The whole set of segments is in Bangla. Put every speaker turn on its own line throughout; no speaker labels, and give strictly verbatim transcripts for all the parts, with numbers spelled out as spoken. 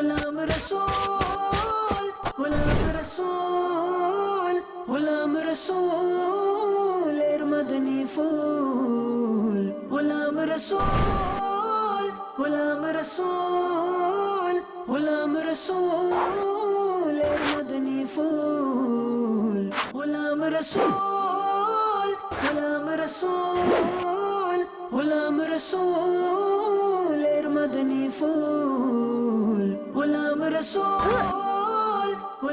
غلام رسول غلام رسول غلام رسول এর মদনী ফুল غلام رسول غلام رسول غلام رسول এর মদনী ফুল غلام رسول غلام رسول غلام رسول এর মদনী ফুল غلام رسول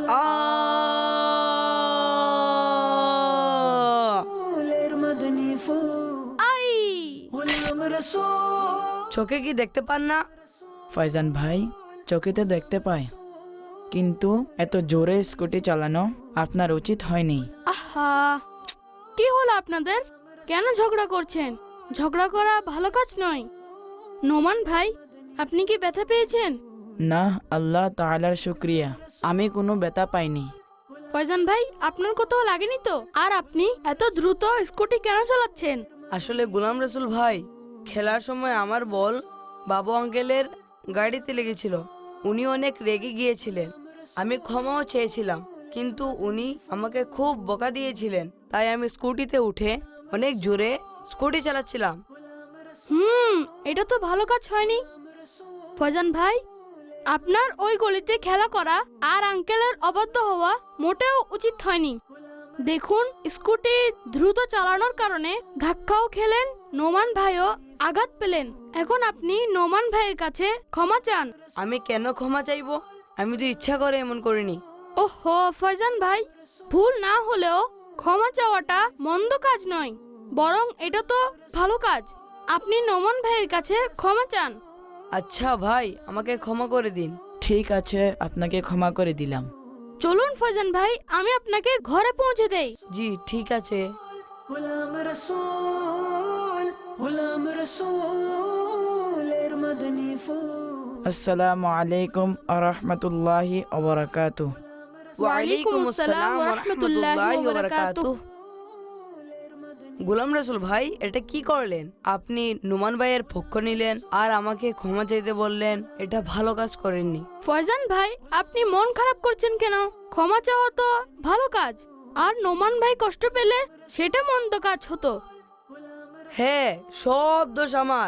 এর মদনী ফুল
আই
غلام رسول
চোখে কি দেখতে পান না?
ফাইজান ভাই, চোখেতে দেখতে পাই, কিন্তু এত জোরে স্কুটি চালানো আপনার উচিত হয়নি।
আহা, কি হলো আপনাদের? কেন ঝগড়া করছেন? ঝগড়া করা ভালো কাজ নয়। নোমান ভাই, আপনি কি ব্যথা পেয়েছেন?
না, আল্লাহ তাআলার শুকরিয়া, আমি কোনো ব্যথা পাইনি।
ফয়জান ভাই, আপনার কোথাও লাগেনি তো? আর আপনি এত দ্রুত স্কুটি কেন চালাচ্ছেন?
আসলে গোলাম রসুল ভাই, খেলার সময় আমার বল বাবু আঙ্কেলের গাড়িতে লেগেছিল। উনি অনেক রেগে গিয়েছিলেন। আমি ক্ষমাও চেয়েছিলাম, কিন্তু উনি আমাকে খুব বকা দিয়েছিলেন। তাই আমি স্কুটিতে উঠে অনেক জোরে স্কুটি চালাচ্ছিলাম।
হুম, এটা তো ভালো কাজ হয়নি। ফয়জান ভাই, আপনার ওই গলিতে খেলা করা আর আঙ্কেলের অবাধ্য হওয়া মোটেও উচিত হয়নি। দেখুন, স্কুটি দ্রুত চালানোর কারণে ধাক্কাও খেলেন, নোমান ভাইও আঘাত পেলেন। এখন আপনি নোমান ভাইয়ের কাছে ক্ষমা চান।
আমি কেন ক্ষমা চাইবো? আমি তো ইচ্ছা করে এমন করিনি।
ওহো ফয়জান ভাই, ভুল না হলেও ক্ষমা চাওয়াটা মন্দ কাজ নয়, বরং এটা তো ভালো কাজ। আপনি নোমান ভাইয়ের কাছে ক্ষমা চান।
আচ্ছা ভাই, আমাকে ক্ষমা করে দিন।
ঠিক আছে, আপনাকে ক্ষমা করে দিলাম।
চলুন ফয়জান ভাই, আমি আপনাকে ঘরে পৌঁছে দেই।
জি ঠিক আছে।
غلام رسول غلام رسول এর মদনী ফুল
আসসালামু আলাইকুম ওয়া রাহমাতুল্লাহি ওয়া বারাকাতুহু।
ওয়ালাইকুম আসসালাম ওয়া রাহমাতুল্লাহি ওয়া বারাকাতুহু। গোলাম রসুল ভাই, এটা কি করলেন? আপনি নোমান ভাইয়ের পক্ষ নিলেন আর আমাকে ক্ষমা চাইতে বললেন। এটা ভালো কাজ করেননি।
ফয়জান ভাই, আপনি মন খারাপ করছেন কেন? ক্ষমা চাওয়া তো ভালো কাজ, আর নোমান ভাই কষ্ট পেলে সেটা মন্দ কাজ হতো।
হ্যাঁ, সব দোষ আমার।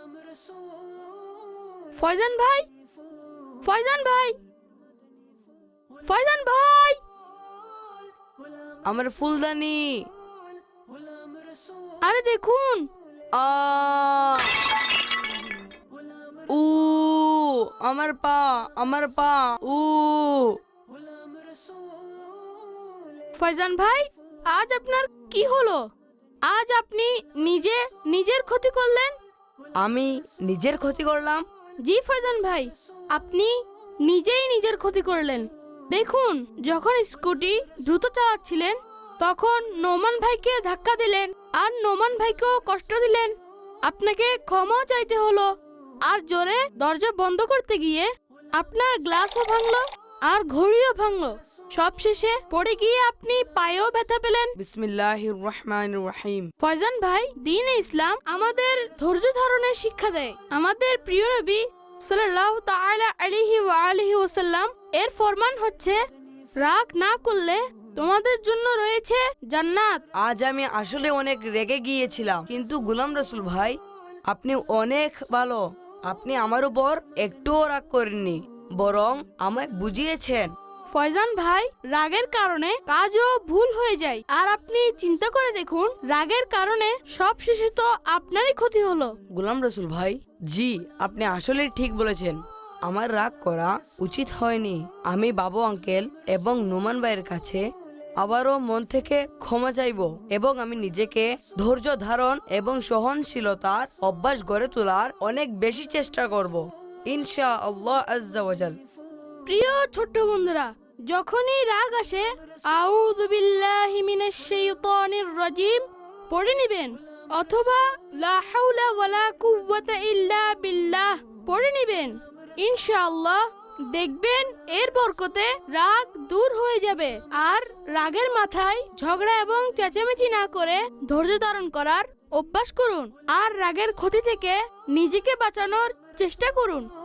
ফয়জান ভাই, ফয়জান ভাই, ফয়জান ভাই,
আমার ফুলদানি।
আরে দেখুন,
আ উ আমার পা, আমার পা, উ
ফয়জান ভাই, আজ আপনার কি হলো? আজ আপনি নিজে নিজের ক্ষতি করলেন।
আমি নিজের ক্ষতি করলাম?
জি ফয়জান ভাই, আপনি নিজেই নিজের ক্ষতি করলেন। দেখুন, যখন স্কুটি দ্রুত চালাচ্ছিলেন তখন নোমান ভাইকে ধাক্কা দিলেন আর নোমান ভাইকেও কষ্ট দিলেন। আপনাকে ক্ষমাও চাইতে হলো, আর জোরে দরজা বন্ধ করতে গিয়ে আপনার গ্লাসও ভাঙলো আর ঘড়িও ভাঙলো। সব শেষে পড়ে গিয়ে আপনি পায়েও ব্যথা পেলেন।
বিসমিল্লাহির রহমানির রহিম।
ফয়জান ভাই, দ্বীন ইসলাম আমাদের ধৈর্য ধারণের শিক্ষা দেয়। আমাদের প্রিয় নবী সাল্লাল্লাহু তাআলা আলাইহি ওয়া আলিহি ওয়াসাল্লাম এর ফরমান হচ্ছে, রাগ না করলে তোমাদের জন্য রয়েছে জান্নাত।
আজ আমি আসলে অনেক রেগে গিয়েছিলাম, কিন্তু গোলাম রসুল ভাই, আপনি অনেক ভালো। আপনি আমার উপর একটুও রাগ করেননি, বরং আমায় বুঝিয়েছেন।
ফয়জান ভাই, রাগের কারণে কাজও ভুল হয়ে যায়, আর আপনি চিন্তা করে দেখুন, রাগের কারণে সব শেষে তো আপনারই ক্ষতি হলো।
গোলাম রসুল ভাই, জি আপনি আসলে ঠিক বলেছেন। আমার রাগ করা উচিত হয়নি। আমি বাবু আঙ্কেল এবং নোমান ভাইয়ের কাছে আবারও মন থেকে ক্ষমা চাইব, এবং আমি নিজেকে ধৈর্য ধারণ এবং সহনশীলতার অভ্যাস গড়ে তোলার অনেক বেশি চেষ্টা করব, ইনশাআল্লাহ আজ্জা ওয়া জাল।
প্রিয় ছোট্ট বন্ধুরা, যখনই রাগ আসে আউযু বিল্লাহি মিনাশ শাইতানির রাজিম পড়ে নেবেন, অথবা লা হাওলা ওয়ালা কুওয়াতা ইল্লা বিল্লাহ পড়ে নেবেন। ইনশাআল্লাহ দেখবেন এর বরকতে রাগ দূর হয়ে যাবে। আর রাগের মাথায় ঝগড়া এবং চেঁচামেচি না করে ধৈর্য ধারণ করার অভ্যাস করুন, আর রাগের ক্ষতি থেকে নিজেকে বাঁচানোর চেষ্টা করুন।